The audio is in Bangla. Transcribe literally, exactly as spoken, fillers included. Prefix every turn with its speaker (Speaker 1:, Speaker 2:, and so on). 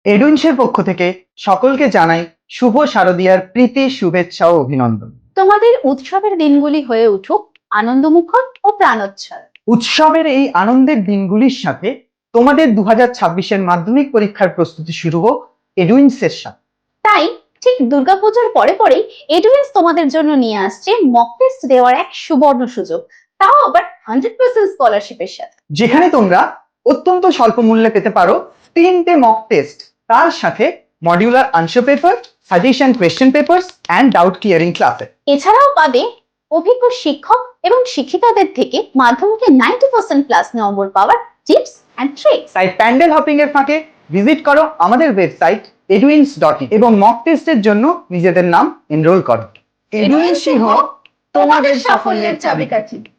Speaker 1: এডুইন্সের পক্ষ থেকে সকলকে জানাই শুভ শারদীয়ার প্রীতি শুভেচ্ছা ও অভিনন্দন।
Speaker 2: তোমাদের উৎসবের দিনগুলি হয়ে উঠুক আনন্দমুখর ও প্রাণোচ্ছল।
Speaker 1: উৎসবের এই আনন্দের দিনগুলির সাথে তোমাদের দু হাজার ছাব্বিশের মাধ্যমিক পরীক্ষার প্রস্তুতি শুরু হোক এডুইন্সের সাথে।
Speaker 2: তাই ঠিক দুর্গাপূজার পরে পরেই এডুইন্স তোমাদের জন্য নিয়ে আসছে মক টেস্ট দেওয়ার এক সুবর্ণ সুযোগ, তাও আবার হান্ড্রেড পার্সেন্ট স্কলারশিপের সাথে,
Speaker 1: যেখানে তোমরা অত্যন্ত স্বল্প মূল্যে পেতে পারো তিনটে মক টেস্ট, তার সাথে modular answer paper, suggestion question papers and doubt clearing ক্লাসে।
Speaker 2: এছাড়াও পাবে অভিজ্ঞ শিক্ষক এবং শিক্ষিকাদের থেকে মাধ্যমিকে নাইনটি পার্সেন্ট প্লাস নম্বর পাওয়ার টিপস এন্ড ট্রিক্স।
Speaker 1: তাই প্যান্ডেল হপিং এর ফাঁকে ভিজিট করো আমাদের ওয়েবসাইট এডুইন্স ডট ইন এবং মক টেস্টের জন্য নিজেদের নাম এনরোল করো। এডুইন্স সিংহ তোমাদের সাফল্যের চাবিকাঠি।